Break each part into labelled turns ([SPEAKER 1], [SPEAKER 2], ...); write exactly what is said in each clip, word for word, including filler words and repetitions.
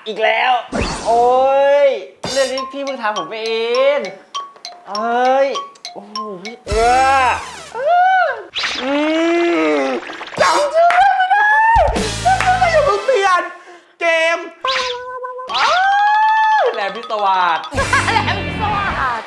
[SPEAKER 1] อีกแล้วโอ้ยเรื่องนี้พี่เพิ่งถามผมไปเองเอ้ยโอ้โหพี่เออ
[SPEAKER 2] อืมจำชื่อไม่ได้จำชื่อไม่ได้อย่าเพิ่งเปลี่ยนเกม
[SPEAKER 1] แหลมพิศวาส
[SPEAKER 3] แหลมพิศวาส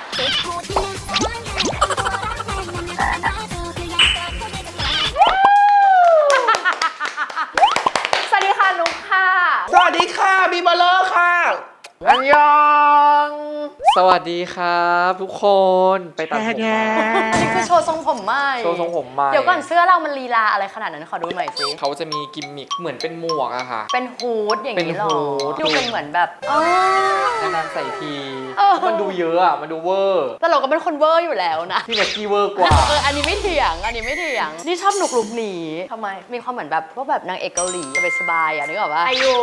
[SPEAKER 3] สวัสดีค่ะนุ๊กค่ะ
[SPEAKER 2] สวัสดีค่ะบีเบลเลอร์ค่ะ
[SPEAKER 1] อันยองสวัสดีครับทุกคนไปตัดผมมา
[SPEAKER 3] อันนี้คือโชว์ทรงผมใหม่
[SPEAKER 1] โชว์ทรงผมใหม่
[SPEAKER 3] เดี๋ยวก่อนเสื้อเรามันลีลาอะไรขนาดนั้นขอดูหน่อยสิ
[SPEAKER 1] เขาจะมีกิมมิคเหมือนเป็นหมวกอะค่ะ
[SPEAKER 3] เป็นฮูดอย่างนี้หรอดูเป็นเหมือนแบบ
[SPEAKER 1] นานๆใส่ทีมันดูเยอะอะมันดูเวอร์
[SPEAKER 3] แต่เราก็เป็นคนเวอร์อยู่แล้วนะ
[SPEAKER 1] พี่เล็กกี้เวอร์กว่า
[SPEAKER 3] เอออันนี้ไม่เถียงอันนี้ไม่เถียงนี่ชอบหนุกลุกหนีทำไมมีความเหมือนแบบพวกแบบนางเอกเกาหลีสบายๆอ่ะนึกออกปะ
[SPEAKER 4] อายุ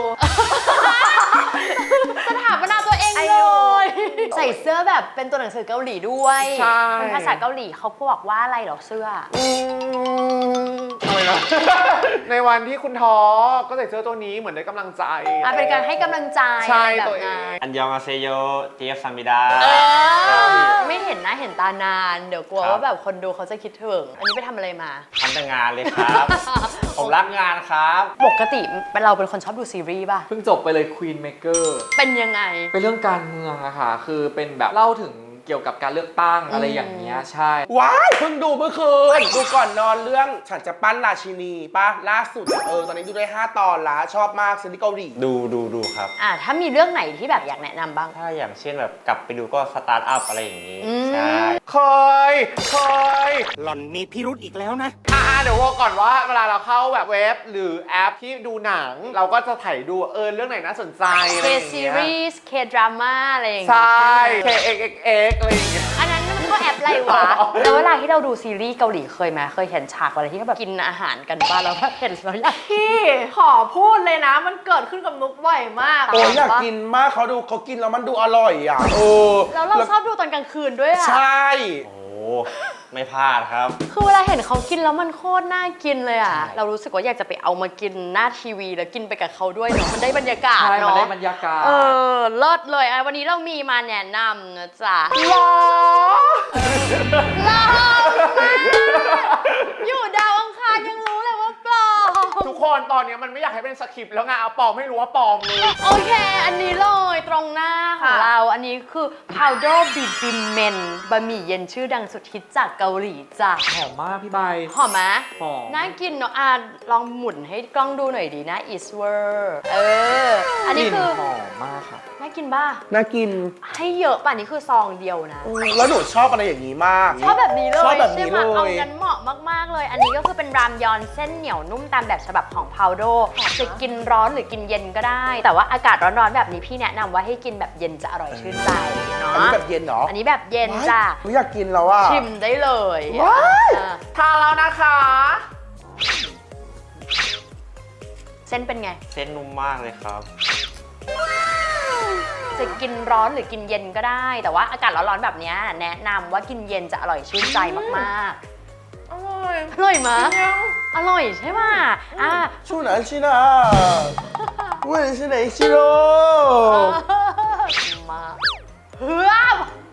[SPEAKER 3] สถาปนาตัวเองเลยใส่เสื้อแบบเป็นตัวหนังสือเกาหลีด้วยเป็นภาษาเกาหลีเขาบอกว่าอะไรหรอเสื้อ
[SPEAKER 2] อะไรนะในวันที่คุณท้อก็ใส่เสื้อตัวนี้เหมือนได้กำลังใจ
[SPEAKER 3] อ่ะเป็นการให้กำลังใจ
[SPEAKER 2] ใช่ตัวเอง
[SPEAKER 1] อันยองอาเซโยเจียบซามิดา
[SPEAKER 3] ไม่เห็นหน้าเห็นตานานเดี๋ยวกลัวว่าแบบคนดูเขาจะคิดถึงอันนี้ไปทำอะไรมา
[SPEAKER 1] ทำแต่งานเลยครับผมรักงานครับ
[SPEAKER 3] ปกติเราเป็นคนชอบดูซีรีส์ป่ะ
[SPEAKER 1] เพิ่งจบไปเลย Queen Maker
[SPEAKER 3] เป็นยังไง
[SPEAKER 1] เป็นเรื่องการเมืองอะค่ะคือเป็นแบบเล่าถึงเกี่ยวกับการเลือกตั้งอะไรอย่างเงี้ยใช่
[SPEAKER 2] ว้ายเพิ่งดูเมื่อคืนดูก่อนนอนเรื่องฉันจะปั้นราชินีป่ะล่าสุดเออตอนนี้ดูได้ห้าตอนละชอบมากซีรีส์เกาหลี
[SPEAKER 1] ดูดูดูครับ
[SPEAKER 3] อ่ะถ้ามีเรื่องไหนที่แบบอยากแนะนำบ้าง
[SPEAKER 1] ถ้าอย่างเช่นแบบกลับไปดูก็สตาร์ทอัพอะไรอย่างงี้ใช่
[SPEAKER 2] เคยเคย
[SPEAKER 4] หล่อนมีพิรุธอีกแล้วนะ
[SPEAKER 2] อ่าเดี๋ยวว่าก่อนว่าเวลาเราเข้าแบบเว็บหรือแอปที่ดูหนังเราก็จะถ่ายดูเออเรื่องไหนน่าสนใจอะไรอย่างเงี้ย
[SPEAKER 3] K series K drama อะไรอย่างเงี้
[SPEAKER 2] ยใช่ K X X X อะไรอย่างเงี้ย
[SPEAKER 3] อันนั้นมันก็แอปอะไรวะแล้วเวลาที่เราดูซีรีส์เกาหลีเคยไหมเคยเห็นฉากอะไรที่เขาแบบกินอาหารกันบ้างแล้วก็เห็นแล้วอยาก
[SPEAKER 4] พี่ขอพูดเลยนะมันเกิดขึ้นกับนุ๊กบ่อยมาก
[SPEAKER 2] โอ้ยอยากกินมากเขาดูเขากินแล้วมันดูอร่อยอ่ะเออ
[SPEAKER 3] แล้วเราชอบดูตอนกลางคืนด้วยอ่ะ
[SPEAKER 2] ใช่
[SPEAKER 1] โอ้ไม่พลาดครับ
[SPEAKER 3] คือเวลาเห็นเขากินแล้วมันโคตรน่ากินเลยอ่ะเรารู้สึกว่าอยากจะไปเอามากินหน้าทีวีแล้วกินไปกับเขาด้วยเนาะมันได้บรรยากาศเนาะ
[SPEAKER 1] มันได้บรรยากาศ
[SPEAKER 3] เออเลิศเลยอ่ะวันนี้เรามีมาแนะนำนะจ๊ะ
[SPEAKER 2] หรอ
[SPEAKER 3] หรออยู่ดาวอังคารยังรู้เลยว่าปลอม
[SPEAKER 2] ทุกคนตอนนี้มันไม่อยากให้เป็นสคริปต์แล้วไงเอาปลอมไม่รู้ว่าปลอมเลย
[SPEAKER 3] โอเคอันนี้เลยตรงหน้าของเราอันนี้คือ powder bibimbap บะหมี่เย็นชื่อดังสุดฮิตจากเกาหลีจ้ะ
[SPEAKER 1] หอมมากพี่ใบ
[SPEAKER 3] หอมไหม
[SPEAKER 1] หอม
[SPEAKER 3] น่ากินเนาะอ่ะลองหมุนให้กล้องดูหน่อยดีนะ is word เอออันนี้คือ
[SPEAKER 1] หอมมากค่ะ
[SPEAKER 3] น่ากินป่ะ
[SPEAKER 2] น่ากิน
[SPEAKER 3] ให้เยอะป่ะนี่คือซองเดียวนะ
[SPEAKER 2] แล้วหนูชอบอะไรอย่างนี้มาก
[SPEAKER 3] ชอบแบบนี้เลย
[SPEAKER 2] ชอบแบบนี้เลย
[SPEAKER 3] เอางั้นเหมาะมากๆเลยอันนี้ก็คือเป็นรามยอนเส้นเหนียวนุ่มตามแบบฉบับของ powder จะกินร้อนหรือกินเย็นก็ได้แต่ว่าอากาศร้อนๆแบบนี้พี่แนะนำว่าให้กินแบบเย็นจะอร่อยชื่นใจเนาะ
[SPEAKER 2] อันนี้แบบเย็นเหรอ
[SPEAKER 3] อันนี้แบบเย็นจ้ะ
[SPEAKER 2] อยากกินแล้วอ่ะ
[SPEAKER 3] ชิมได้เลย
[SPEAKER 2] ทานแล้วนะคะ
[SPEAKER 3] เส้นเป็นไง
[SPEAKER 1] เส้นนุ่มมากเลยครับ
[SPEAKER 3] จะกินร้อนหรือกินเย็นก็ได้แต่ว่าอากาศร้อนๆแบบนี้แนะนำว่ากินเย็นจะอร่อยชื่นใจมากๆ
[SPEAKER 2] อร่อย
[SPEAKER 3] อร่อยมั้ยอร่อยใช่ไหมอ่ะ
[SPEAKER 2] ชูหนันชินะเว้ยชิไหนชิโร่
[SPEAKER 3] มาเฮ้ย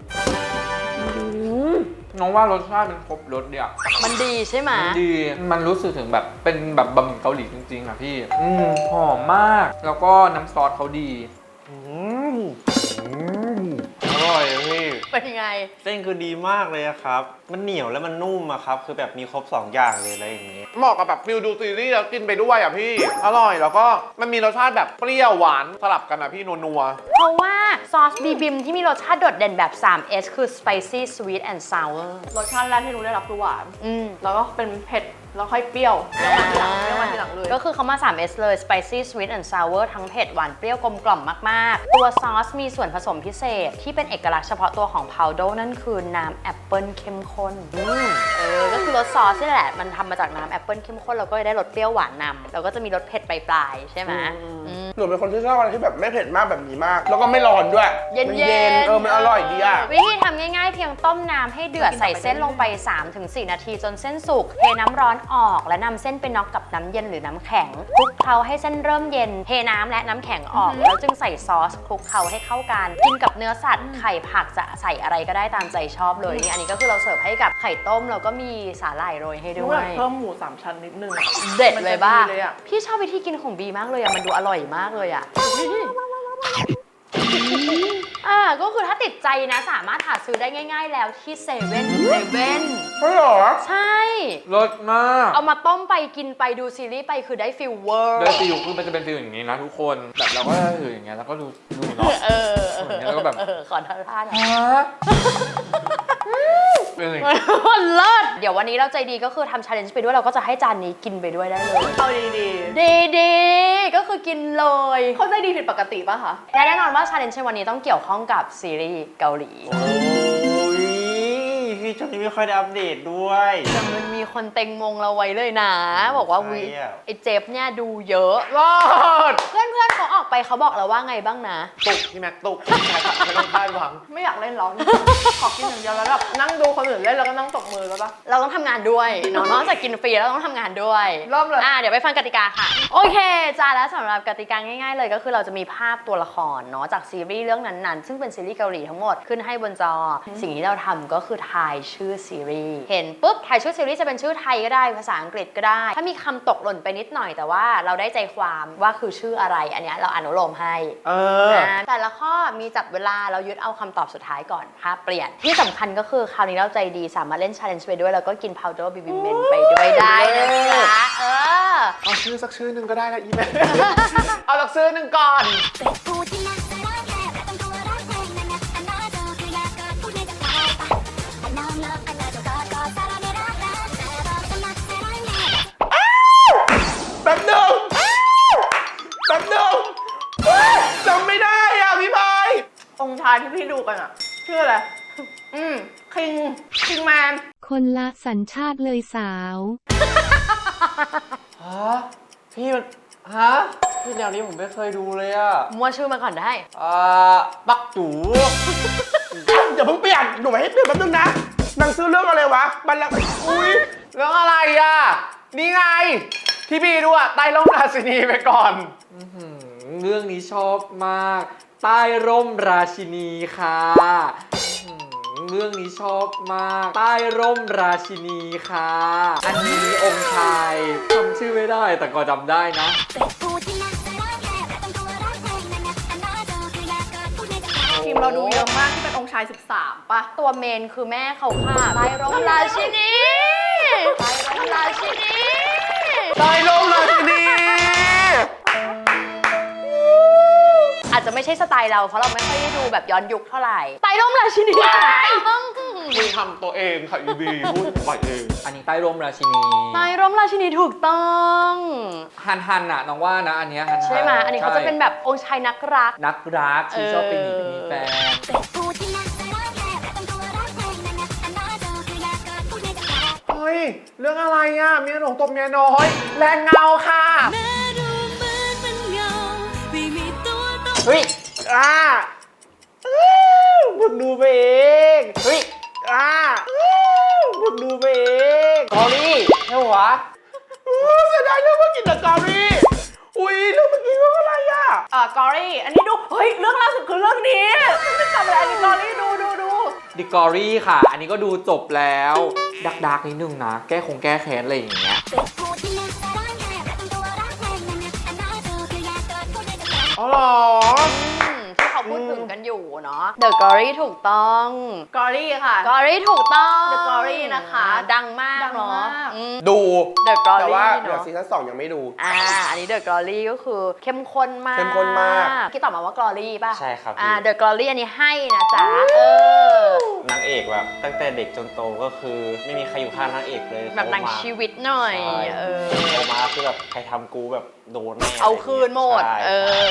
[SPEAKER 1] น้องว่ารสชาติมันครบรสเดียว
[SPEAKER 3] มันดีใช่ไหม
[SPEAKER 1] มันดีมันรู้สึกถึงแบบเป็นแบบบะหมี่เกาหลีจริงๆอ่ะพี่อืมหอมมากแล้วก็น้ำซอสเขาดีอืมอร่อยพี่
[SPEAKER 3] เป็นยังไง
[SPEAKER 1] เส้นคือดีมากเลยครับมันเหนียวแล้วมันนุ่มอะครับคือแบบมีครบสองอย่างเลยอะไรอย่างเงี้ย
[SPEAKER 2] เหมาะกับแบบฟิลดูซีรีส์แล้วกินไปด้วยอ่ะพี่อร่อยแล้วก็มันมีรสชาติแบบเปรี้ยวหวานสลับกันอ่ะพี่นัว
[SPEAKER 3] ๆเพราะว่าซอสบีบิมที่มีรสชาติโดดเด่นแบบ ทรี เอส คือ spicy sweet and sour
[SPEAKER 4] รสชาติแรกที่หนูได้รับคือหวานแล้วก็เป็นเผ็ดแล้วค่อยเปรี้ยวเปรี้ยวมันทีหลังเปรี้ยวมันทีหลังเลย
[SPEAKER 3] ก็คือเขามา ทรี เอส เลย spicy sweet and sour ทั้งเผ็ดหวานเปรี้ยวกลมกล่อมมากๆตัวซอสมีส่วนผสมพิเศษที่เป็นเอกลักษณ์เฉพาะตัวของ powder นั่นคือน้ำแอปเปิลเข้มข้นเออก็คือรสซอสนี่แหละมันทำมาจากน้ำแอปเปิลเข้มข้นเราก็ได้รสเปรี้ยวหวานนำแล้วก็จะมีรสเผ็ดปลายๆใช่ไหม
[SPEAKER 2] หนูเป็นคนที่ชอบอะไรที่แบบไม่เผ็ดมากแบบนี้มาก แล้วก็ไม่ร้อนด้วย
[SPEAKER 3] เย็น
[SPEAKER 2] มั
[SPEAKER 3] เย็น
[SPEAKER 2] เออมันอร่อยดีอ่ะ
[SPEAKER 3] วิธีทำง่ายๆเพียงต้มน้ำให้เดือดใส่เส้นลงไป สามถึงสี่ นาทีจนเส้นสุกเทน้ำร้อนออกและนำเส้นไปน็อกกับน้ำเย็นหรือน้ำแข็งคลุกเคล้าให้เส้นเริ่มเย็นเทน้ำและน้ำแข็งออกแล้วจึงใส่ซอสคลุกเคล้าให้เข้ากันกินกับเนื้อสัตว์ไข่ผักจะใส่อะไรก็ได้ตามใจชอบเลยนี่อันนี้ก็คือเราเสิร์ฟให้กับไข่ต้มแล้วก็มีสาหร่ายโรยให้ด้
[SPEAKER 4] ด้
[SPEAKER 3] ว
[SPEAKER 4] วย
[SPEAKER 3] ย
[SPEAKER 4] เพิ่มหมูสามชั้นนิดนึงอะ
[SPEAKER 3] เด็ดเลยบ้า
[SPEAKER 4] มันจะดีเลยอะ
[SPEAKER 3] พี่ชอบวิธีกินของบีมากเลยอะมันดูอร่อยมากเลยอะอ่าก็คือถ้าติดใจนะสามารถหาซื้อได้ง่าย ๆ แล้วที่เซเว่นเซเว่น
[SPEAKER 2] ใช่เหรอ
[SPEAKER 3] ใช่
[SPEAKER 1] รสมาก
[SPEAKER 3] เอามาต้มไปกินไปดูซีรีส์ไปคือได้ฟิลเวอร์
[SPEAKER 1] โดยฟิลคือมันจะเป็นฟิลอย่างนี้นะทุกคนแบบเราก็ถืออย่างเงี้ยแล้วก็ดูดูเนาะ
[SPEAKER 3] เออเออ
[SPEAKER 1] แล้วก็แบบ
[SPEAKER 3] เออขอท่าท่าหน่อย
[SPEAKER 1] ฮะเป็นอะไร
[SPEAKER 3] เลิศเดี๋ยววันนี้เราใจดีก็คือทำชาเลนจ์ไปด้วยเราก็จะให้จานนี้กินไปด้วยได้เลย
[SPEAKER 4] เอาดี
[SPEAKER 3] ดีดีๆก็คือกินเลย
[SPEAKER 4] ๆเขาใจดีผิดปกติป่ะคะ
[SPEAKER 3] และแน่นอนว่าชาเลนจ์ในวันนี้ต้องเกี่ยวข้องกับซีรีส์เกาหลี
[SPEAKER 5] โอ้ยพี่ช่วงนี้ไม่ค่อยได้อัปเดตด้วย
[SPEAKER 3] แต่มันมีคนเต็งมงเราไว้เลยนะ บอกว่า
[SPEAKER 5] ใคร
[SPEAKER 3] วิ
[SPEAKER 5] อะ
[SPEAKER 3] ไอเจฟเนี่ยดูเยอะ
[SPEAKER 2] รอด
[SPEAKER 3] เพื่อนเพื่อนๆเขาออกไปเขาบอกเราว่าไงบ้างนะ
[SPEAKER 5] ตุกพี่แม็กตุกไม่ต้องคาดหวัง
[SPEAKER 4] ไม่อยากเล่นหรอกขอกินอย่างเดียวแล้วแบบนั่งดูคนอื่นเล่นแล้วก็นั่งตบมือแล้วปะ
[SPEAKER 3] เราต้องทำงานด้วยเนาะนอกจากกินฟรีแล้วต้องทำงานด้วย
[SPEAKER 4] เริ่มเลย
[SPEAKER 3] อ่ะเดี๋ยวไปฟังกติกาค่ะ โอเคจ้าแล้วสำหรับกติกาง่ายๆเลยก็คือเราจะมีภาพตัวละครเนาะจากซีรีส์เรื่องนั้นๆ ซึ่งเป็นซีรีส์เกาหลีทั้งหมดขึ้นให้บนจอ สิ่งที่เราทำก็คือทายชื่อซีรีส์เห็นปุ๊บทายชื่อซีรีส์จะเป็นชื่อไทยก็ได้ภาษาอังกฤษก็ได้ ถ้ามีคำตกหล่นไปนิดหน่อยแต่ว่าเราได้ใจความว่าคือชื่ออะไรอันเนี้ยเราอนุโลมให้
[SPEAKER 5] เออ
[SPEAKER 3] อ่าแต่ละข้อมีจับเวลาเรายึดเอาคำตอบสุดท้ายก่อนภาพเปลี่ยนที่สำคัญก็คือคราวนี้เราใจดีสามารถเล่น challenge ไปด้วยแล้วก็กิน powder baby men ไปด้วยได้นะจ๊ะเออ
[SPEAKER 2] เอาชื่อสักชื่อหนึ่งก็ได้นะอีแม่ เอาสักชื่อหนึ่งก่อน แป๊บหนึงแป๊บหนึงเฮ้ยจำไม่ได้อ่ะพี่พาย
[SPEAKER 4] องค์ชายที่พี่ดูกันอะชื่ออะไร อืม คิง คิงแมน
[SPEAKER 6] คนละสัญชาติเลยสาว
[SPEAKER 5] ฮะ พี่มัน ฮะ พี่แนวนี้ผมไม่เคยดูเลยอะ
[SPEAKER 3] มัวชื่อมาก่อนได้
[SPEAKER 5] อ่าปักจู
[SPEAKER 2] อย่าเพิ่งเปลี่ยน หนูไม่ให้เปลี่ยนแป๊บนึงนะหนังซื้อเรื่องอะไรวะบัลลังก์อุ้ย
[SPEAKER 5] เรื่องอะไรอะนี่ไง ที่พี่ดูอะใต้ร่มราชินีไปก่อน
[SPEAKER 1] อื้อหือเรื่องนี้ชอบมาก ใต้ร่มราชินีค่ะอื้อหือเรื่องนี้ชอบมาก ใต้ร่มราชินีค่ะ อันนี้องค์ชายจำชื่อไม่ได้แต่ก็จำได้นะ
[SPEAKER 4] ทีมเราดูเยอะมากที่เป็นองค์ชายสิบสามป่ะ
[SPEAKER 3] ตัวเมนคือแม่เขาค่ะใต้ร่มราชินีใต้ร่มราชินี
[SPEAKER 2] ใต้ร่มราชินี
[SPEAKER 3] อาจจะไม่ใช่สไตล์เราเพราะเราไม่ค่อยได้ดูแบบย้อนยุคเท่าไหร่ใต้ร่มราชินี
[SPEAKER 5] คุยทำตัวเองค่ะอีบีพูดไปเอง
[SPEAKER 1] อันนี้ใต้ร่มราชินี
[SPEAKER 3] ใต้ร่มราชินีถูกต้อง
[SPEAKER 1] ฮันฮันอะน้องว่านะอันเนี้ยฮันฮัน
[SPEAKER 3] ใช่ไหมอันนี้เขาจะเป็นแบบองค์ชายนักรัก
[SPEAKER 1] นักรักที่ชอบเป็นหญิง
[SPEAKER 3] เออ
[SPEAKER 1] เป็นมีแฟน
[SPEAKER 5] เฮ้ย เรื่องอะไรอะเมียหลวงตบเมียน้อย แรงเงาค่ะ
[SPEAKER 3] เฮ้ย
[SPEAKER 5] อ่ามึงดูไปเอง
[SPEAKER 3] เฮ้ย
[SPEAKER 5] อ่ามึงดูไปเองกอรี่ใช่หรอ
[SPEAKER 2] อู้เสียดายเรื่องเมื่อกี้แต่กอรี่อุ้ยเรื่องเมื่อกี้เรื่องอะไรอ่ะ
[SPEAKER 4] เอ่อกอรี่ อันนี้ดู เฮ้ย เรื่องล่าสุดคือเรื่องนี้ไม่จำอะไรอันนี้กอรี่ดูดูดู
[SPEAKER 1] ดิกอรี่ค่ะ อันนี้ก็ดูจบแล้ว ดักดักๆนิดนึงนะ แก้คงแก้แค้นอะไรอย่างเงี้ย
[SPEAKER 5] อ๋อเหรอ
[SPEAKER 3] อืมที่เขาพูดถึงกันอยู่เนาะ The Glory ถูกต้อง
[SPEAKER 4] กอรี่ค่ะ
[SPEAKER 3] Glory ถูกต้อง
[SPEAKER 4] The Glory นะคะ
[SPEAKER 3] ดังมาก
[SPEAKER 4] ดัง
[SPEAKER 3] เนาะ
[SPEAKER 4] มาก
[SPEAKER 3] อืม
[SPEAKER 2] ดู
[SPEAKER 3] The
[SPEAKER 2] แต่ว่า
[SPEAKER 3] Glory
[SPEAKER 2] เดี๋ยว
[SPEAKER 3] เนาะ
[SPEAKER 2] ซีซั่นสองยังไม่ดู
[SPEAKER 3] อ่า อันนี้ The Glory ก็คือเข้มข้นมาก
[SPEAKER 2] เข้มข้นมาก
[SPEAKER 3] ที่ตอบมาว่า Glory ป่ะ
[SPEAKER 5] ใช่ครับพี่
[SPEAKER 3] อ่า The Glory อันนี้ให้นะจ๊ะ เออ
[SPEAKER 5] นางเอกแบบตั้งแต่เด็กจนโตก็คือ ไม่มีใครอยู่ข้างนางเอกเลย
[SPEAKER 3] แบบหนังชีวิตหน่อย
[SPEAKER 5] ใช่
[SPEAKER 3] เออ
[SPEAKER 5] โตมาคือแบบใครทำกูแบบโดนแน่
[SPEAKER 3] เอาคืนหมด
[SPEAKER 5] ใช่
[SPEAKER 3] เออ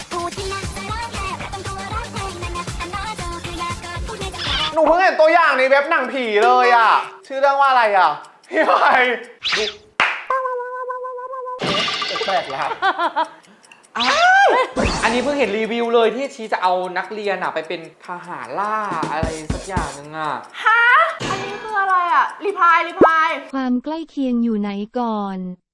[SPEAKER 5] หนูเพิ่งเห็นตัวอย่างในเว็บหนังผีเลยอ่ะ ชื่อเรื่องว่าอะไรอ่ะ พี่ไผ่ดูแปลกแล้ว
[SPEAKER 2] อ้าย
[SPEAKER 1] อันนี้เพิ่งเห็นรีวิวเลยที่ชีจะเอานักเรียนอะไปเป็นทหารล่าอะไรสักอย่างหนึงอะ
[SPEAKER 4] ฮะ อันนี้คืออะไรอ่ะ รีพายรีพาย
[SPEAKER 6] ความใกล้เคียงอยู่ไหนก่อน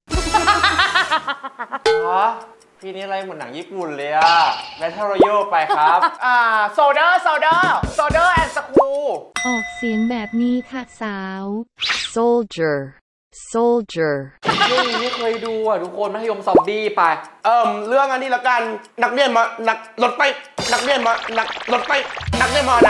[SPEAKER 5] ฮะพี่นี่อะไรเหมือนหนังญี่ปุ่นเลยอะ Battle Royale ไปครับ
[SPEAKER 2] อ่าโซเดอร์โซเดอร์โซเดอร์แอนด์สคู
[SPEAKER 6] ออกเสียงแบบนี้ค่ะสาว
[SPEAKER 7] Soldier, soldier.
[SPEAKER 1] เรื่องนี้ไม่เคยดูอะทุกคนมัธยมซอมบี้ไป
[SPEAKER 2] เอิ่มเรื่องอันนี้ละกันนักเรียนมานักรถไปนักเรียนมานักรถไปนักเรียนมานะ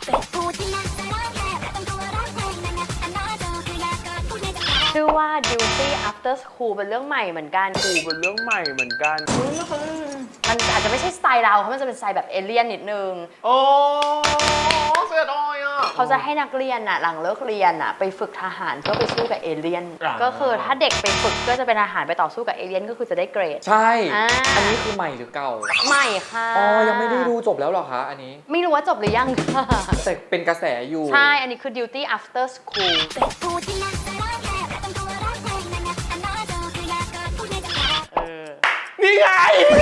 [SPEAKER 3] ชื่อว่า Duty After School เป็นเรื่องใหม่เหมือนกัน
[SPEAKER 2] กูเป็นเรื่องใหม่เหมือนกัน
[SPEAKER 3] มันอาจจะไม่ใช่สไตล์เราเพราะมันจะเป็นสไตล์แบบเอเลี่ยนนิดนึง
[SPEAKER 2] โอ้เสียดายอ่ะ
[SPEAKER 3] เขาจะให้นักเรียนน่ะหลังเลิกเรียนน่ะไปฝึกทหารเพื่อไปสู้กับเอเลี่ยน
[SPEAKER 2] อ่า
[SPEAKER 3] ก็คือถ้าเด็กไปฝึกก็จะเป็นทหารไปต่อสู้กับเอเลี่ยนก็คือจะได้เกรด
[SPEAKER 1] ใช่
[SPEAKER 3] อ่า
[SPEAKER 1] อันนี้คือใหม่หรือเก่า
[SPEAKER 3] ใหม่ค่ะ
[SPEAKER 1] อ๋อ ยังไม่ได้ดูจบแล้วเหรอคะ อันนี้
[SPEAKER 3] ไม่รู้ว่าจบหรือยังค่ะ
[SPEAKER 1] แต่เป็นกระแสอยู่
[SPEAKER 3] ใช่ อันนี้คือ Duty After School เออ
[SPEAKER 2] นี่ไง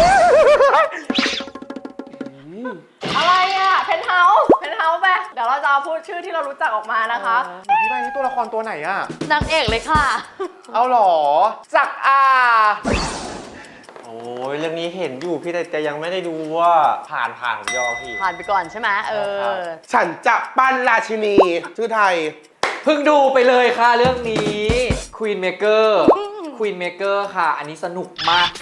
[SPEAKER 4] อะไรอ่ะ เพนเฮาส์เพนเฮาส์ไป เดี๋ยวเราจะเอาพูดชื่อที่เรารู้จักออกมานะคะ
[SPEAKER 2] พี่ใบนี่ตัวละครตัวไหนอ่ะ
[SPEAKER 3] นางเอกเลยค่ะ
[SPEAKER 2] เอาเหรอจักอา
[SPEAKER 5] โอ้ยเรื่องนี้เห็นอยู่พี่แต่แต่ยังไม่ได้ดูว่าผ่านผ่านผมยอมพี่
[SPEAKER 3] ผ่านไปก่อนใช่ไหมเออ
[SPEAKER 2] ฉันจะปั้นราชินีชื่อไทย
[SPEAKER 1] เพิ่งดูไปเลยค่ะเรื่องนี้ Queen Maker Queen Maker ค่ะ อันนี้สนุกมาก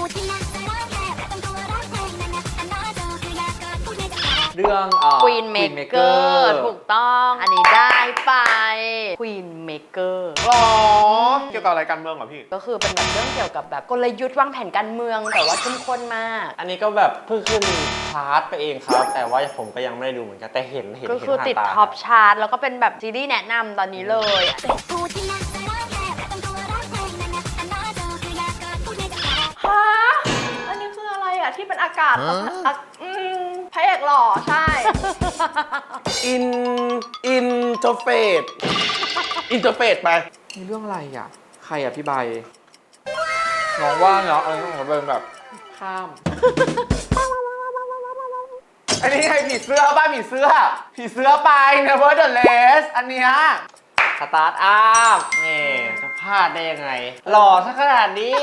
[SPEAKER 1] เรื่องเอ่อ
[SPEAKER 3] Queen Maker ถูกต้อง อันนี้ได้ไป Queen Maker
[SPEAKER 2] หรอ เกี่ยวกับอะไรการเมืองเหรอพี่
[SPEAKER 3] ก็คือเป็นแบบเรื่องเกี่ยวกับแบบกลยุทธ์วางแผนการเมืองแต่ว่าเข้มข้นมาก
[SPEAKER 5] อันนี้ก็แบบเพิ่งขึ้นชาร์ตไปเองครับ แต่ว่าผมก็ยังไม่ได้ดูเหมือนกันแต่เห็นเห็น
[SPEAKER 3] ก็
[SPEAKER 5] เห็น
[SPEAKER 3] คือ
[SPEAKER 5] ผ่าน
[SPEAKER 3] ติด
[SPEAKER 5] ตา
[SPEAKER 3] ท็อปชาร์ตแล้วก็เป็นแบบซีรีส์แนะนำตอนนี้เลย
[SPEAKER 4] ฮะ อันนี้คืออะไรอ่ะ ที่เป็นอากาศอ่ะอืมพระเอกหล่อใช่
[SPEAKER 2] อิน อินเทอร์เฟซ อินเทอร์เฟซไป
[SPEAKER 1] มีเรื่องอะไรอ่ะ ใครอ่ะพี่ใบ น้องว่างเหรออะไรของเราเป็นแบบข้าม
[SPEAKER 2] อันนี้ไงผีเสื้อบ้านผีเสื้อ ผีเสื้อไป Nevertheless อันเนี้ย
[SPEAKER 5] สตาร์ทอัพนี่จะพลาดได้ยังไง หล่อซะขนาดนี้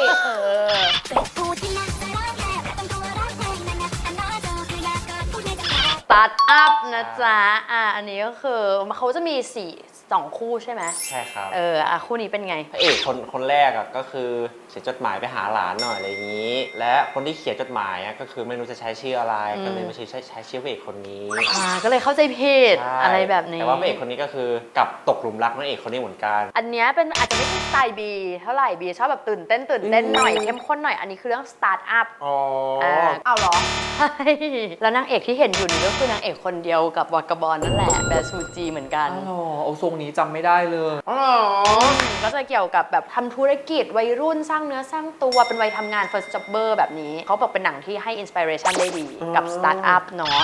[SPEAKER 3] สตาร์ทอัพนะจ๊ะ อ่ะ อันนี้ก็คือเขาจะมีสี่สองคู่ใช่ไหม
[SPEAKER 5] ใช่ครับ
[SPEAKER 3] เออ อ่ะ คู่นี้เป็นไง
[SPEAKER 5] พระเอกคนคนแรกอ่ะก็คือเขียนจดหมายไปหาหลานหน่อยอะไรอย่างนี้ และคนที่เขียนจดหมายอ่ะก็คือไม่รู้จะใช้ชื่ออะไร
[SPEAKER 3] อืม
[SPEAKER 5] ก็เลยไม่ใช้ใช้ใช้ชื่อพระเอกคนนี้
[SPEAKER 3] อ่า ก็เลยเข้าใจผิด
[SPEAKER 5] ใช่
[SPEAKER 3] อะไรแบบนี้
[SPEAKER 5] แต่ว่าพระเอกคนนี้ก็คือกลับตกหลุมรักนางเอกคนนี้เหมือนกัน
[SPEAKER 3] อันเนี้ยเป็นอาจจะไม่ใช่สไตล์บีเท่าไหร่บีชอบแบบตื่นเต้นตื่นเต้นหน่อยเข้มข้นหน่อยอันนี้คือเรื่องสตาร์ทอัพ
[SPEAKER 2] อ๋อ
[SPEAKER 4] เอาเหรอ
[SPEAKER 3] ใช่แล้วนางเอกที่เห็นอยู่นี่ก็คือนางเอกคนเดียวกับวากาบอลนั่นแหละแบร์ซูจีเหมือนกัน
[SPEAKER 1] อ๋อเอาทรงนี้จำไม่ได้เลย
[SPEAKER 2] อ๋อเหรอ
[SPEAKER 3] ก็จะเกี่ยวกับแบบทำธุรกิจวัยรุ่นสร้างเนื้อสร้างตัวเป็นวัยทำงาน first jobber แบบนี้เขาบอกเป็นหนังที่ให้อินสปิเรชันได้ดีกับสตาร์ทอัพเนาะ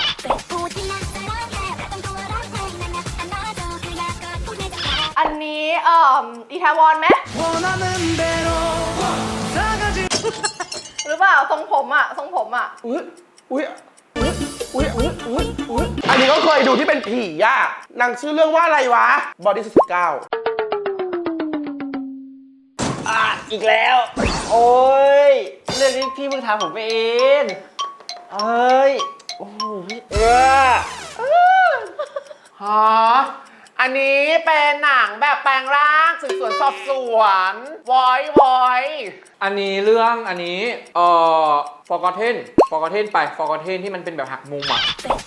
[SPEAKER 4] อันนี้เอ่ออีแทวอนไหม หรือเปล่าทรงผมอ่ะทรงผมอ่ะ
[SPEAKER 2] อุ๊ยอุ๊ยอุ๊ยอุ๊ยอุ๊ยอุ๊ยอุ๊ยอันนี้ก็เคยดูที่เป็นผีอ่ะนางชื่อเรื่องว่าอะไรวะ บอดี้สิบเก้า
[SPEAKER 5] อ่ะอีกแล้ว โอ้ยเรื่องนี้พี่เพิ่งถามผมไปเองเอ้ย โอ้โหพี่เออ
[SPEAKER 2] ฮะ อันนี้เป็นหนังแบบแปลงร่างสืบสวนสอบสวนวอยวอย
[SPEAKER 1] อันนี้เรื่องอันนี้เอ่อ Forgotten Forgotten ไป Forgotten ที่มันเป็นแบบหักมุมอ่ะ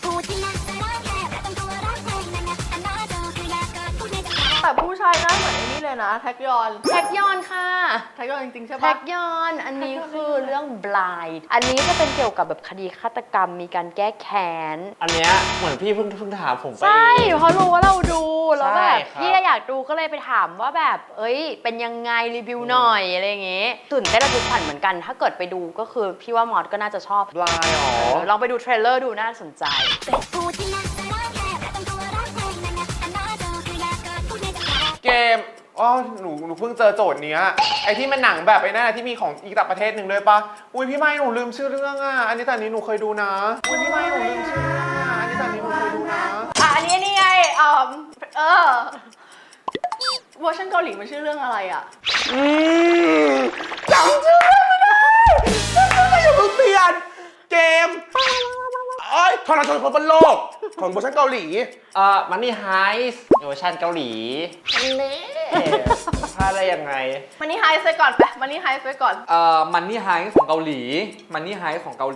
[SPEAKER 4] แต่ผู้ชายหน้าเหมือนไอ้นี่เลยนะ แท็กยอน
[SPEAKER 3] แท็กยอนค่ะ
[SPEAKER 4] แท็กยอนจริงๆใช่
[SPEAKER 3] แท็
[SPEAKER 4] ปะ
[SPEAKER 3] กยอน อันนี้คือเรื่อง blind อันนี้จะเป็นเกี่ยวกับแบบคดีฆาตกรรมมีการแก้แค้น
[SPEAKER 5] อันเนี้ยเหมือนพี่เพิ่งเพิ่งถามผมไป
[SPEAKER 3] ใช่เพราะรู้ว่าเราดูแล้วแบบ
[SPEAKER 5] ใช่ครับ
[SPEAKER 3] พี่ก็อยากดูก็เลยไปถามว่าแบบ เอ้ย เป็นยังไงรีวิวหน่อยอะไรอย่างเงี้ยตื่นเต้นระทึกขวัญเหมือนกัน ถ้าเกิดไปดูก็คือพี่ว่ามอสก็น่าจะชอบ
[SPEAKER 2] ลายอ๋อ
[SPEAKER 3] เออลองไปดูเทรลเลอร์ดูน่าสนใจ
[SPEAKER 2] เกม
[SPEAKER 8] อ๋อหนูหนูเพิ่งเจอโจทย์เนี้ยไอ้ที่มันหนังแบบไอ้นั่นอะที่มีของอีกต่างประเทศหนึ่งด้วยปะอุ้ยพี่ไม่หนูลืมชื่อเรื่องอ่ะอันนี้แต่อันนี้หนูเคยดูนะอุ้ยพี่ไม่หนูลืมชื่อเรื่องอ่ะอันนี้แต่อันนี้หนูเคยดูนะ
[SPEAKER 4] อ่ะอันนี้นี่ไงเออเออเวอร์ชันเกาหลีมันชื่อเรื่องอะไรอ่ะ
[SPEAKER 2] อืมจำชื่อไม่ได้จำชื่อไม่ได้อย่าเพิ่งเปลี่ยนเกมเอ้ยทรชนคนบนโลกของเวอร์ชันเกาหลี
[SPEAKER 5] เอ่อมันนี่ไฮส์เวอร์ชันเกาหลีนี่พลาดได้ยังไง
[SPEAKER 4] มันนี่ไฮส์ไปก่อนไปมันนี่ไฮส์ไปก่อน
[SPEAKER 1] เอ่อมันนี่ไฮของเกาหลีมันนี่ไฮของเกาหลี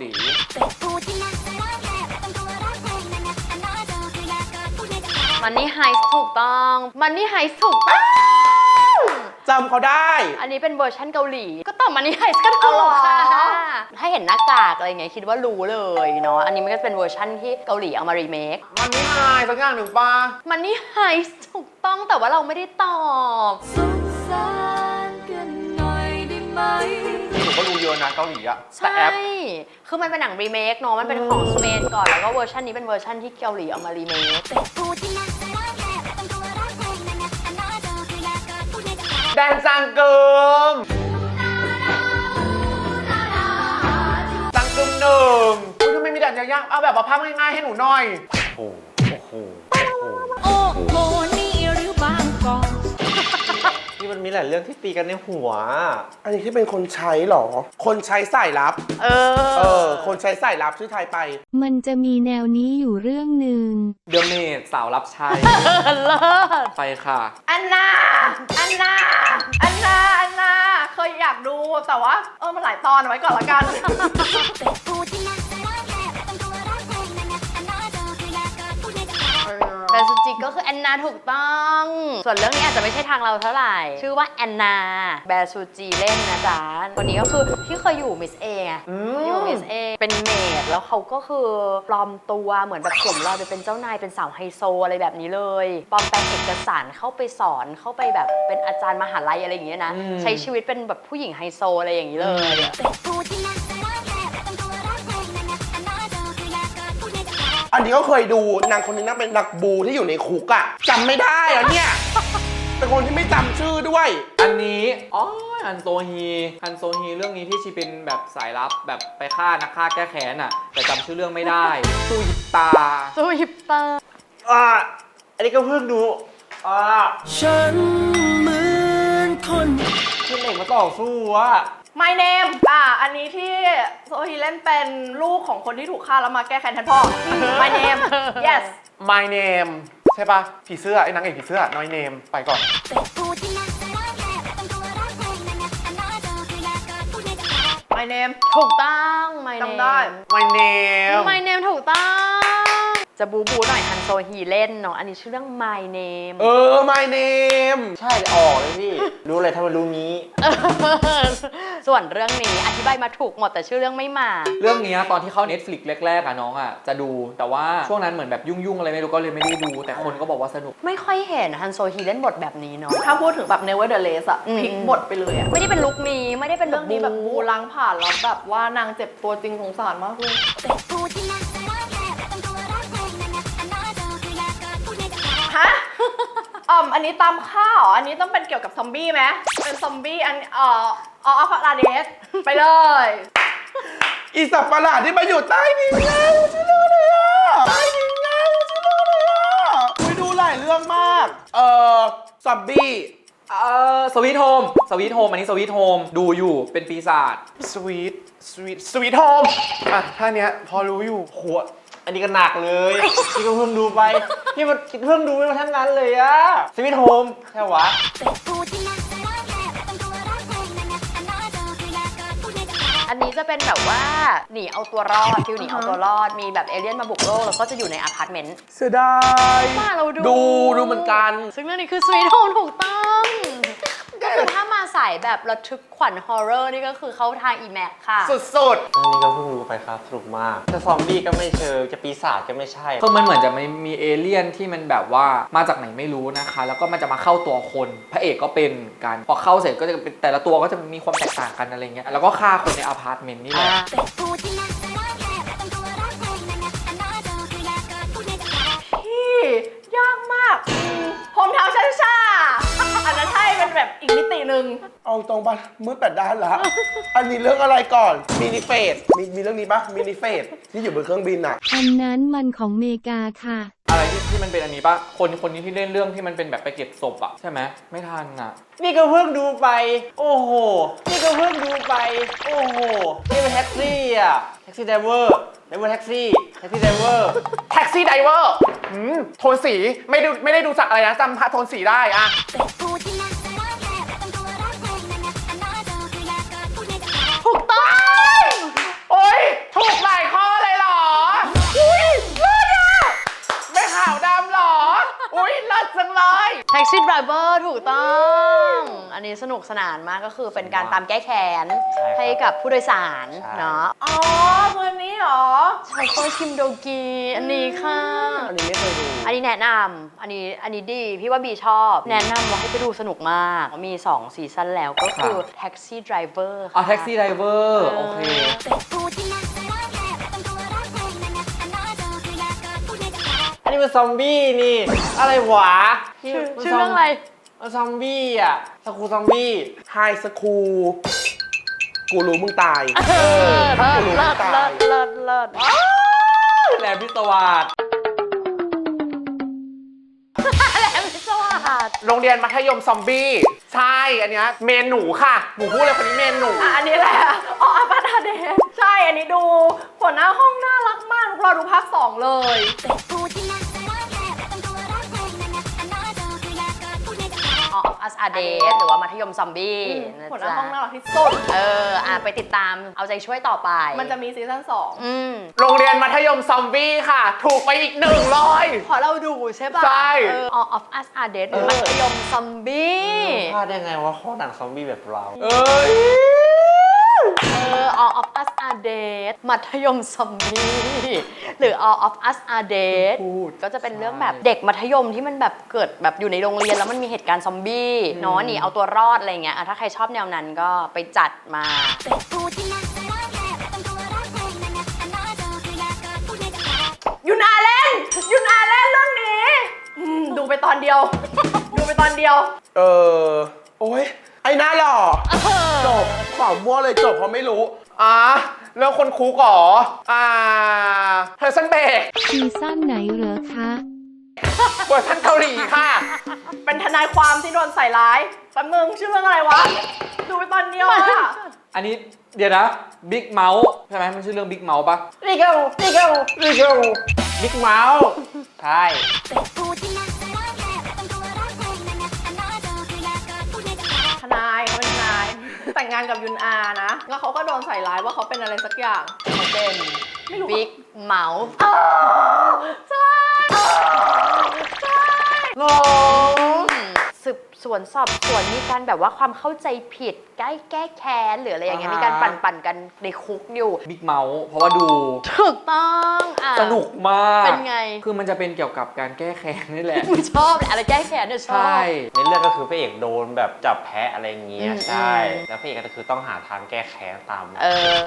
[SPEAKER 3] มันนี่ไฮส์ถูกต้องมันนี่ไฮส์ถูกต้อง
[SPEAKER 2] จำเขาได้
[SPEAKER 3] อันนี้เป็นเวอร์ชันเกาหลี ก็ตอบมันนี่ไฮส์ก็ถูกค่ะ ถ้าเห็นหน้ากากอะไรเงี้ยคิดว่ารู้เลยเนาะ อันนี้มันก็เป็นเวอร์ชันที่เกาหลีเอามารีเมค
[SPEAKER 8] มันไม่หายสักอย่างหนึ่งปะ
[SPEAKER 3] มันนี่ไฮส์ถูกต้องแต่ว่าเราไม่ได้ตอบ
[SPEAKER 8] หนูก็รู้เยอะนะเกาหลีอะแต่
[SPEAKER 3] ใช่
[SPEAKER 8] แอป
[SPEAKER 3] คือมันเป็นหนังรีเมคเนาะ มันเป็นของสเปนก่อน แล้วก็เวอร์ชันนี้เป็นเวอร์ชันที่เกาหลีเอามารีเมค
[SPEAKER 8] แดนจังเกิมจังเกิมหนึ่งอุ๊ยทำไมมีแดนยากๆเอาแบบว่าภาพง่ายๆให้หนูหน่อย
[SPEAKER 5] โอ้โห
[SPEAKER 6] โอ้โห นี่หรือบางกอก
[SPEAKER 5] นี่มันมีหลายเรื่องที่ตีกันในหัว
[SPEAKER 2] อันนี้ที่เป็นคนใช้เหรอ คนใช้สายลับ
[SPEAKER 3] เอ
[SPEAKER 2] เอ
[SPEAKER 3] อ
[SPEAKER 2] อ คนใช้สายลับชื่อไทยไป
[SPEAKER 6] มันจะมีแนวนี้อยู่เรื่องหนึ่ง
[SPEAKER 1] เดอะเมดสาวรับใช้
[SPEAKER 3] เลิศ
[SPEAKER 1] ไปค่ะ
[SPEAKER 4] อันนาอันนาอันนาอันนาเคยอยากดูแต่ว่าเออมันหลายตอนเอาไว้ก่อนละกัน
[SPEAKER 3] แบนซูจิก็คือแอนนาถูกต้อง ส่วนเรื่องนี้อาจจะไม่ใช่ทางเราเท่าไหร่ ชื่อว่าแอนนาแบนซูจิเล่นนะจ๊ะคนนี้ก็คือที่เคยอยู่มิสเอไงอยู่มิสเอเป็นเมดแล้วเขาก็คือปลอมตัวเหมือนแบบสวมรอยไปเป็นเจ้านายเป็นสาวไฮโซอะไรแบบนี้เลยปลอมแปลงเอกสารเข้าไปสอนเข้าไปแบบเป็นอาจารย์มหาลัยอะไรอย่างเงี้ยนะ
[SPEAKER 1] อืม
[SPEAKER 3] ใช้ชีวิตเป็นแบบผู้หญิงไฮโซอะไรอย่างนี้เลย
[SPEAKER 2] อันนี้ก็เคยดูนางคนนี้น่าเป็นนักบูที่อยู่ในคุกอะจำไม่ได้เหรอเนี่ย เป็นคนที่ไม่จำชื่อด้วย
[SPEAKER 1] อันนี้อ๋อฮันโซฮีฮันโซฮีเรื่องนี้ที่ชีเป็นแบบสายลับแบบไปฆ่านักฆ่าแก้แค้นอ่ะ แต่จำชื่อเรื่องไม่ได้ซูยิตา
[SPEAKER 3] ซูฮิปเตอร์
[SPEAKER 5] อ่า อันนี้ก็เพิ่งดู อ่า
[SPEAKER 2] ฉันเหมือนคน
[SPEAKER 5] ขึ้นเหล็กมาต่อสู้อะ
[SPEAKER 4] My name อ่ะอันนี้ที่โซฮีเล่นเป็นลูกของคนที่ถูกฆ่าแล้วมาแก้แค้นแทนพ่อ My name yes
[SPEAKER 8] My name ใช่ปะผีเสื้อไอ้นางเอกผีเสื้อ น้อยเนมไปก่อน
[SPEAKER 4] My name
[SPEAKER 3] ถูกต้อง My
[SPEAKER 4] จำได้
[SPEAKER 3] name
[SPEAKER 8] My name
[SPEAKER 3] My name ถูกต้อง จะบูบูหน่อยฮันโซฮีเล่นเนาะ อันนี้ชื่อเรื่อง My name
[SPEAKER 2] เออ my name
[SPEAKER 5] ใช่เลยออกเลยพี่ รู้เลยถ้ามันรู้งี้
[SPEAKER 3] ส่วนเรื่องนี้อธิบายมาถูกหมดแต่ชื่อเรื่องไม่มา
[SPEAKER 1] เรื่องเนี้ยตอนที่เข้า Netflix แรกๆอ่ะน้องอ่ะจะดูแต่ว่าช่วงนั้นเหมือนแบบยุ่งๆอะไรไม่รู้ก็เลยไม่ได้ดู แต่คนก็บอกว่าสนุก
[SPEAKER 3] ไม่ค่อยเห็นฮันโซฮีเล่นบทแบบนี้เนาะ
[SPEAKER 4] ถ้าพูดถึงแบบ Nevertheless อะ
[SPEAKER 3] อืม
[SPEAKER 4] พลิกบทไปเลยอะ
[SPEAKER 3] ไม่ได้เป็นลุคนี้ไม่ได้เป็นแบ
[SPEAKER 4] เรื่อบ งนี้แบบบูล้างผ่านแล้วแบบว่านางเจ็บตัวจริงสงสารมากเลย ฮะ อ่อมอันนี้ตามข้าวอันนี้ต้องเป็นเกี่ยวกับซอมบี้ไหมเป็นซอมบี้อันเอ่อออฟลาเดสไปเลย
[SPEAKER 2] อีสัตว์ประหลาดที่มาอยู่ใต้ดินไงชื่อเรื่องอะไรอ่ะใต้ดินไงชื่อเรื่องอะไรอ่ะคุยดูหลายเรื่องมาก เอ่อซอมบี้
[SPEAKER 1] เอ่อสวีทโฮมสวีทโฮมอันนี้สวีทโฮมดูอยู่เป็นปีศาจ
[SPEAKER 8] Sweet Sweet Sweet Home อ่ะท่าเนี้ยพอรู้อยู่
[SPEAKER 5] โห อันนี้ก็หนักเลย พี่ก็เพิ่งดูไป พี่มันเพิ่งดูไปทั้งนั้นเลยอะสวิตโฮมใช่วะ
[SPEAKER 3] อันนี้จะเป็นแบบว่าหนีเอาตัวรอดฟิลหนีเอาตัวรอดมีแบบเอเลี่ยนมาบุกโลกแล้วก็จะอยู่ในอพาร์ตเมนต์
[SPEAKER 2] เสียดาย
[SPEAKER 3] มาเราดู
[SPEAKER 2] ดูดูเหมือนกัน
[SPEAKER 3] ซึ่งเรื่องนี้คือ Sweet Home ถูกต้องก็คือถ้ามาใส่แบบระทึกขวัญฮอร์เรอร์นี่ก็คือเข้าทางอีแม็กค่ะ
[SPEAKER 8] สุด
[SPEAKER 5] อันนี้ก็เพิ่งรู้ไปครับสนุกมาก จะซอมบี้ก็ไม่เชิง จะปีศาจก็ไม่ใช่
[SPEAKER 1] คือมันเหมือนจะมีมีเอเลี่ยนที่มันแบบว่ามาจากไหนไม่รู้นะคะ แล้วก็มันจะมาเข้าตัวคนพระเอกก็เป็นกันพอเข้าเสร็จก็จะเป็นแต่ละตัวก็จะมีความแตกต่างกันอะไรเงี้ยแล้วก็ฆ่าคนในอพาร์ตเมนต์นี่แหละ
[SPEAKER 4] ที่ยากมากโฮมทาวน์ชาชาอันนั้นใช่นึ่ง
[SPEAKER 2] เอาตรงปะมืดแปดด้านละ อันนี้เรื่องอะไรก่อนมินิเฟสมีมีเรื่องนี้ปะมินิเฟสที่อยู่บนเครื่องบินอะ
[SPEAKER 7] อันนั้นมันของเมกาค่ะ
[SPEAKER 1] อะไรที่ที่มันเป็นอันนี้ปะคนคนนี้ที่เล่นเรื่องที่มันเป็นแบบไปเก็บศพอะใช่ไหมไม่ทันอะ
[SPEAKER 5] นี่ก็เพิ่งดูไป โอ้โห นี่ก็เพิ่งดูไป โอ้โห นี่เป็นแท็กซี่อ่ะ แท็กซี่ไดเวอร์ไดเวอร์แท็กซี่ แท็กซี่ไดเวอร์
[SPEAKER 8] แท็กซี่ไดเวอร์หืมโทนสีไม่ดูไม่ได้ดูจากอะไรนะจำโทนสีได้อะ
[SPEAKER 4] ถูกต้อง
[SPEAKER 8] โอ๊ยถูกหลายข้อเลยเหรอ อุ้ยเลิศอะไม่ขาวดำเหรอ อุ้ยเลิศจังเลย
[SPEAKER 3] Taxi Driver ถูกต้อง อันนี้สนุกสนานมากก็คือเป็นการตามแก้แค้น
[SPEAKER 5] ใช่ครับ
[SPEAKER 3] ให้กับผู้โดยสาร
[SPEAKER 5] ใช่
[SPEAKER 3] เนาะ
[SPEAKER 4] อ๋อตัวนี้เหรอ
[SPEAKER 3] โชเฟอร์คิมโดกีอันนี้ค่ะ
[SPEAKER 5] อันนี้ไม่เคยดู
[SPEAKER 3] อันนี้แนะนำอันนี้อันนี้ดีพี่ว่าบีชอบ แนะนำว่าให้ไปดูสนุกมาก มีสองซีซั่นแล้วก็คือ Taxi Driver
[SPEAKER 1] อ๋อ
[SPEAKER 3] ค่ะ
[SPEAKER 1] แท็กซี่ไดเวอร์โอเค
[SPEAKER 5] อันนี้มันซอมบี้นี่ อะไรหวะ
[SPEAKER 3] ชื่อชื่อเรื่องอะไร
[SPEAKER 5] มันซอมบี้อ่ะสกูซอมบี้
[SPEAKER 2] ไฮสคูลกูรู้มึงตาย
[SPEAKER 3] เออเลิศเลิศเลิศเลิศเลิศ
[SPEAKER 1] แหลมพิศวาส
[SPEAKER 3] แหลมพิศวาส
[SPEAKER 8] โรงเรียนมัธยมซอมบี้ ใช่ อันเนี้ยเมนหนูค่ะ หนูพูดเลยคนนี้เมนหนู
[SPEAKER 4] อ่ะอันนี้แหละ อ๋ออาปาดาเดชใช่ อันนี้ดูหัวหน้าห้องน่ารักมากเราดูภาคสองเลย
[SPEAKER 3] ออฟอัสอาเดสหรือว่ามัธยมซอมบี้นะ
[SPEAKER 4] หัวหน้า
[SPEAKER 3] จ๊ะ
[SPEAKER 4] ห้องน่ารักที่สุด
[SPEAKER 3] เอออ่ะไปติดตามเอาใจช่วยต่อไป
[SPEAKER 4] มันจะมีซีซั่นสอง
[SPEAKER 3] อืม
[SPEAKER 8] โรงเรียนมัธยมซอมบี้ค่ะ ถูกไปอีกหนึ่งร้อย
[SPEAKER 3] พอเราดูใช่ป่ะ
[SPEAKER 8] ใช่
[SPEAKER 3] เออ All of Us Are Dead หรือมัธยมซอมบี้
[SPEAKER 5] พลาดได้ไงว่าข้อหนังซอมบี้แบบเรา
[SPEAKER 1] เอ้ย
[SPEAKER 3] เออ All of Us Are Dead มัธยมซอมบี้หรือ All of Us Are Dead ก็จะเป็นเรื่องแบบเด็กมัธยมที่มันแบบเกิดแบบอยู่ในโรงเรียนแล้วมันมีเหตุการณ์ซอมบี้เนาะหนีเอาตัวรอดอะไรเงี้ยอ่ะถ้าใครชอบแนวนั้นก็ไปจัดมา
[SPEAKER 4] ยุนอาเล่นยุนอาเล่นเรื่องนี้อืมดูไปตอนเดียว ดูไปตอนเดียว
[SPEAKER 2] เออ โอ้ยไอ้หน้าหล่อจบขวามั่วเลยจบเพราะไม่รู้
[SPEAKER 8] อ่ะเรื่องคนคุกเหรอ อ่าเพอร์ซันเบก
[SPEAKER 7] ซีซั่นไหนเหรอคะ
[SPEAKER 8] เวอร์ชันเกาหลีค่ะ
[SPEAKER 4] เป็นทนายความที่โดนใส่ร้ายแป๊บนึงชื่อเรื่องอะไรวะ ดูไปตอนเดียวอะ
[SPEAKER 1] อันนี้เดี๋ยวนะบิ๊กเมาส์ใช่ไหมมันชื่อเรื่องบิ๊กเมาส์ปะ
[SPEAKER 5] นี่ก็นี่ก็นี่ก็บิ๊กเมาส์ใช่
[SPEAKER 4] ทนายเขาเป็นทนาย แต่งงานกับยุนอานะ แล้วเขาก็โดนใส่ร้ายว่าเขาเป็นอะไรสักอย่าง
[SPEAKER 3] เขาเป็น
[SPEAKER 4] ไม่รู้
[SPEAKER 3] บิ๊กเมาส์
[SPEAKER 4] เออใช่ใช่
[SPEAKER 5] หรอ
[SPEAKER 3] สืบสวนสอบสวนมีการแบบว่าความเข้าใจผิดใกล้แก้แค้นหรืออะไรอย่างเงี้ยมีการปั่นปั่นๆกันในคุกอยู่
[SPEAKER 1] บิ๊กเมาส์เพราะว่าดู
[SPEAKER 3] ถูกต้องอ่ะ
[SPEAKER 1] สนุกมาก
[SPEAKER 3] เป็นไง
[SPEAKER 1] คือมันจะเป็นเกี่ยวกับการแก้แค้นนี่แหละ
[SPEAKER 3] ชอบแหละอะไรแก้แค้นเนี่ยชอบ
[SPEAKER 1] ใช่
[SPEAKER 5] ในเรื่องก็คือพระเอกโดนแบบจับแพะอะไรอย่างเงี้ย
[SPEAKER 3] อืม
[SPEAKER 5] ใช่
[SPEAKER 3] อืม
[SPEAKER 5] แล้วพระเอกก็คือต้องหาทางแก้แค้นตาม
[SPEAKER 3] เออ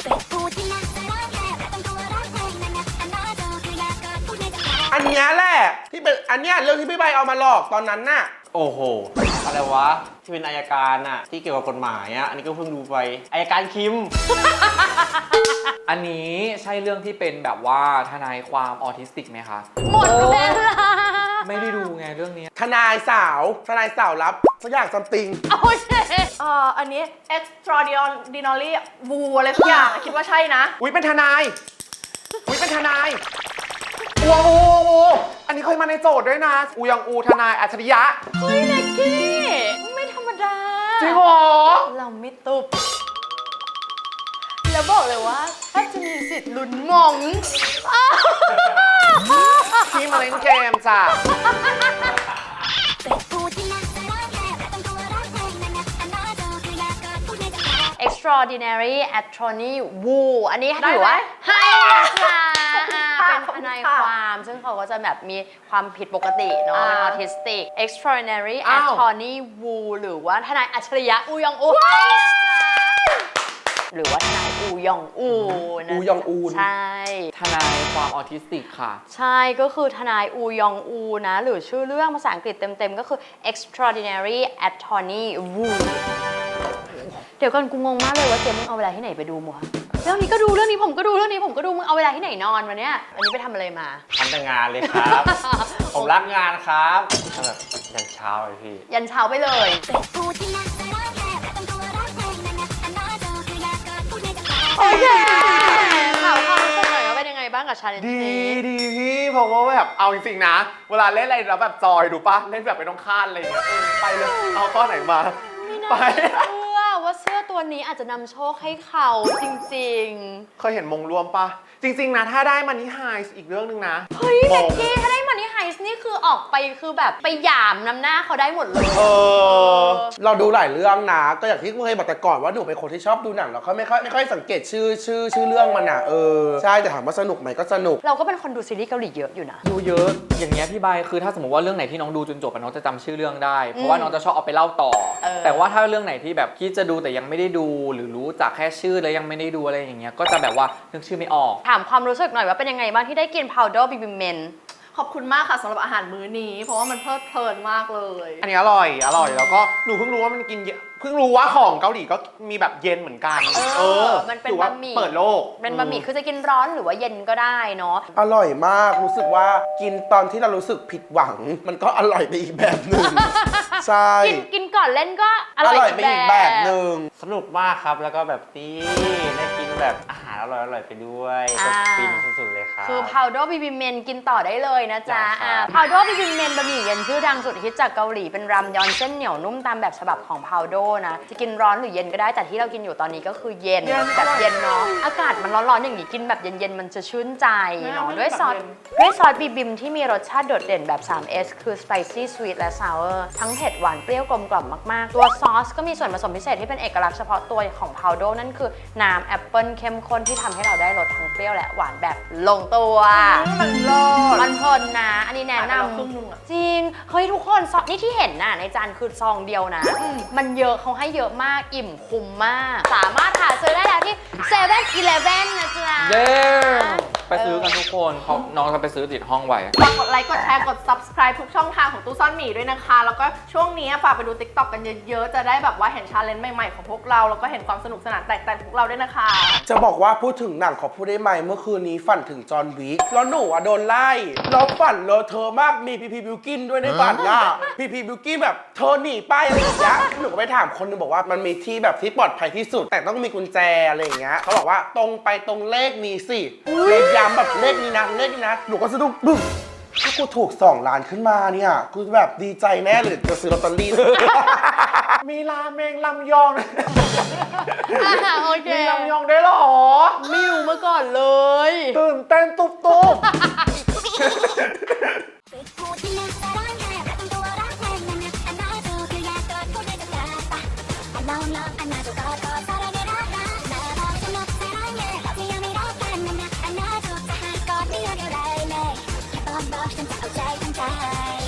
[SPEAKER 2] อันเนี้ยแหละที่เป็นอันเนี้ยเรื่องที่พี่ใบเอามาหลอกตอนนั้นน่ะ
[SPEAKER 5] โอ้โห อะไรวะ ที่เป็นอายการน่ะ ที่เกี่ยวกับกฎหมายอ่ะ อันนี้ก็เพิ่งดูไปอายการคิม
[SPEAKER 1] อันนี้ใช่เรื่องที่เป็นแบบว่าทนายความออทิสติกไหมคะ
[SPEAKER 3] หมดเวลา
[SPEAKER 1] ไม่ได้ดูไงเรื่องนี้
[SPEAKER 2] ทนายสาวทนายสาวรับสักอย่างซัมติง
[SPEAKER 3] โอเค
[SPEAKER 4] เอ่ออันนี้ extraordinary woo อะไรสักอย่างอะคิดว่าใช่นะ
[SPEAKER 8] อุ้ยเป็นทนาย อุ้ยเป็นทนายอูอูอูอันนี้เคยมาในโจทย์ด้วยนะ อูยังอูทนายอัจฉริยะ
[SPEAKER 3] เฮ้ยเน็กกี้ไม่ธรรมดา
[SPEAKER 8] จริงเหรอ
[SPEAKER 3] เราไม่ตุบ แล้วบอกเลยว่าถ้าจะมีสิทธิ์ลุ้นมง
[SPEAKER 8] พี่มาเล่นเกมจ้ะ
[SPEAKER 3] extraordinary attorney Wu อันนี้
[SPEAKER 4] ได้
[SPEAKER 3] ถือ
[SPEAKER 4] ไหม
[SPEAKER 3] ว่าให้ค่ะ
[SPEAKER 4] ขอบคุณค่ะ
[SPEAKER 3] เป็น
[SPEAKER 4] ขอบ
[SPEAKER 3] ท
[SPEAKER 4] คุณ
[SPEAKER 3] นาย
[SPEAKER 4] ค่ะ
[SPEAKER 3] ความ ซึ่งเขาก็จะแบบมีความผิดปกติเนาะ
[SPEAKER 4] อ่า
[SPEAKER 3] เป็นออทิสติก extraordinary
[SPEAKER 8] อ้าว
[SPEAKER 3] attorney Wu หรือว่าทนายอัจฉริยะอูยองอูหรือว่าทนายอูยองอูนะ
[SPEAKER 2] อูยองอูน
[SPEAKER 3] ใช่
[SPEAKER 1] ทนายความออทิสติกค่ะ
[SPEAKER 3] ใช่ก็คือทนายอูยองอูนะ หรือชื่อเรื่องภาษาอังกฤษเต็มๆ ก็คือ extraordinary attorney Wu เดี๋ยวก่อนกูงงมากเลยว่าเจมมึงเอาเวลาที่ไหนไปดูมัวเรื่องนี้ก็ดูเรื่องนี้ผมก็ดูเรื่องนี้ผมก็ดูมึงเอาเวลาที่ไหนนอนวันเนี้ยอันนี้ไปทำอะไรมา
[SPEAKER 5] ทำแต่งานเลยครับ ผมรักงานครับทำแบบยันเช้าเลยพี่
[SPEAKER 3] ยันเช้าไปเลย โอเคถามความรู้สึกหน่อยว่าเป็นยังไงบ้างกับชาเลนจ์
[SPEAKER 8] ดี
[SPEAKER 3] นี้
[SPEAKER 8] ดีพี่ผมว่าแบบเอาจริงๆนะ เวลาเล่นอะไรแล้วแบบจอยดูปะเล่นแบบไม่ต้องคาดอะไรอย่างเงี้ยเออไปเลยเอาข้อไหนมา
[SPEAKER 3] ไม่น่า
[SPEAKER 8] ไป
[SPEAKER 3] เชื่อว่าเสื้อตัวนี้อาจจะนำโชคให้เขาจริง
[SPEAKER 8] เคยเห็นมงรวมปะจริง ๆ นะ ถ้าได้มันนี่ไฮส์อีกเรื่องหนึงนะ
[SPEAKER 3] ๆ เฮ้ย
[SPEAKER 8] ม
[SPEAKER 3] เบ็ก
[SPEAKER 8] ง
[SPEAKER 3] กี้ถ้าได้มันนี่ไฮส์นี่คือออกไปคือแบบไปหยามน้ำหน้าเขาได้หมดเลย
[SPEAKER 2] เออ เราดูหลายเรื่องนะ ก็อย่างที่เคยบอกแต่ก่อนว่าหนูเป็นคนที่ชอบดูหนังแล้วก็ไม่ค่อยไม่ค่อยสังเกตชื่อชื่อชื่อเรื่องมันอ่ะ เออ ใช่แต่ถามว่าสนุกไหมก็สนุก
[SPEAKER 3] เราก็เป็นคนดูซีรีส์เกาหลีเยอะอยู่นะ
[SPEAKER 1] ดูเยอะอย่างเงี้ยพี่ใบคือถ้าสมมติว่าเรื่องไหนที่น้องดูจนจบอะน้องจะจำชื่อเรื่องได้ เพราะว่าน้องจะชอบเอาไปเล่าต่อ
[SPEAKER 3] เออ
[SPEAKER 1] แต่ว่าถ้าเรื่องไหนที่แบบคิดจะดูแต่ยังไม่ได้ดูหรือรู้จักแค่ชื่อแล้วยังไม่ได้ดูอะไรอย่างเงี้ยก็จะแบบว่านึกชื่อไม่ออก
[SPEAKER 3] ถามความรู้สึกหน่อยว่าเป็นยังไงบ้างที่ได้กิน powder baby men
[SPEAKER 4] ขอบคุณมากค่ะสำหรับอาหารมื้อนี้ เพราะว่ามันเพลิดเพลินมากเลย
[SPEAKER 8] อันนี้อร่อย อร่อย แล้วก็หนูเพิ่งรู้ว่ามันกินเยอะเพิ่งรู้ว่าของเกาหลีก็มีแบบเย็นเหมือนกัน
[SPEAKER 3] เออมันเป็น
[SPEAKER 8] ถือว่า
[SPEAKER 3] บะหมี่
[SPEAKER 8] เปิดโลก
[SPEAKER 3] เป็นบะหมี่คือจะกินร้อนหรือว่าเย็นก็ได้เนาะ
[SPEAKER 2] อร่อยมากรู้สึกว่ากินตอนที่เรารู้สึกผิดหวัง มันก็อร่อยไปอีกแบบหนึ่ง ใช่
[SPEAKER 3] กินกินก่อนเล่นก็อ
[SPEAKER 2] อ
[SPEAKER 3] ร่อย
[SPEAKER 2] ร่อยไปอีกแบบหนึ่ง
[SPEAKER 5] สนุกมากครับ แล้วก็แบบนี่ได้กินแบบอาหารอร่อยๆไปด้วยก็ฟินสุดๆเลยครับ
[SPEAKER 3] คือ powder baby men กินต่อได้เลยนะจ๊ะ
[SPEAKER 5] ได้ครับ
[SPEAKER 3] อ่า powder baby men บะหมี่เย็นชื่อดังสุดฮิตจากเกาหลีเป็นรามยอนเส้นเหนียวนุ่มตามแบบฉบับของ powder นะจะกินร้อนหรือเย็นก็ได้แต่ที่เรากินอยู่ตอนนี้ก็คือเย็นแบบเย็นเนาะอากาศมันร้อนๆอย่างนี้กินแบบเย็นๆมันจะชื่นใจเนาะด้วยซอสด้วยซอสบีบิมที่มีรสชาติโดดเด่นแบบ ทรี เอส คือ spicy sweet และ sour ทั้งเผ็ดหวานเปรี้ยวกลมกล่อมมากๆตัวซอสก็มีส่วนผสมพิเศษที่เป็นเอกลักษณ์เฉพาะตัวของ powder นั่นคือน้ำแอปเปิลเข้มข้นที่ทำให้เราได้รสทั้งเปรี้ยวและหวานแบบลงตัว
[SPEAKER 4] มันรอด
[SPEAKER 3] มันเพลินนะ อันนี้แนะ
[SPEAKER 4] ขายไปแล้ว
[SPEAKER 3] นำ
[SPEAKER 4] ครึ่งนึงอะ
[SPEAKER 3] จริง เฮ้ยทุกคนซองนี่ที่เห็นน่ะในจานคือซองเดียวนะ มันเยอะเขาให้เยอะมากอิ่มคุ้มมาก สามารถหาซื้อได้แล้วที่เซเว่นอีเลฟเว่นนะจ๊ะ
[SPEAKER 1] เย้ไปซื้อกันทุกคนเขาน้องจะไปซื้อติดห้องไว้
[SPEAKER 4] ฝากกดไลค์กดแชร์กด subscribe ทุกช่องทางของตู้ซ่อนหมีด้วยนะคะ แล้วก็ช่วงนี้ฝากไปดู TikTok กันเยอะๆ จะได้แบบว่าเห็นชาเลนจ์ใหม่ๆของพวกเรา แล้วก็เห็นความสนุกสนานแตกต่างของพวกเราด้วยนะคะ
[SPEAKER 2] จะบอกว่าพูดถึงหนังขอพูดได้ไหมเมื่อคืนนี้ฝันถึงจอห์นวิกแล้วหนูอะโดนไล่แล้วฝันเลอะเธอะมากมีพีพีบิวกินด้วยในฝันอะพีพีบิวกินแบบเธอหนีไปอะไรอย่างเงี้ยหนูก็ไปถามคนหนึงบอกว่ามันมีที่แบบที่ปลอดภัยที่สุด แต่ต้องมีกุญแจอะไรอย่างเงี้ยเขาบอกว่าตรงไปตรงเลขนี้สิเลขย้ำแบบเลขนี้นะเลขนี้นะหนูก็สะดุ้งบึ้มถ้ากูถูกสองล้านขึ้นมาเนี่ยกูแบบดีใจแน่เลยจะซื้อลอตเตอรี่
[SPEAKER 8] มีราเมงลำยอง
[SPEAKER 3] อ่ะโอเค
[SPEAKER 8] มีลำยองได้วยเหรอ
[SPEAKER 3] ไม่รู้มาก่อนเลย
[SPEAKER 8] ตื่นเต้นตุ๊บตุ๊บ
[SPEAKER 6] บอกฉันจะเอาใจทั้งใจ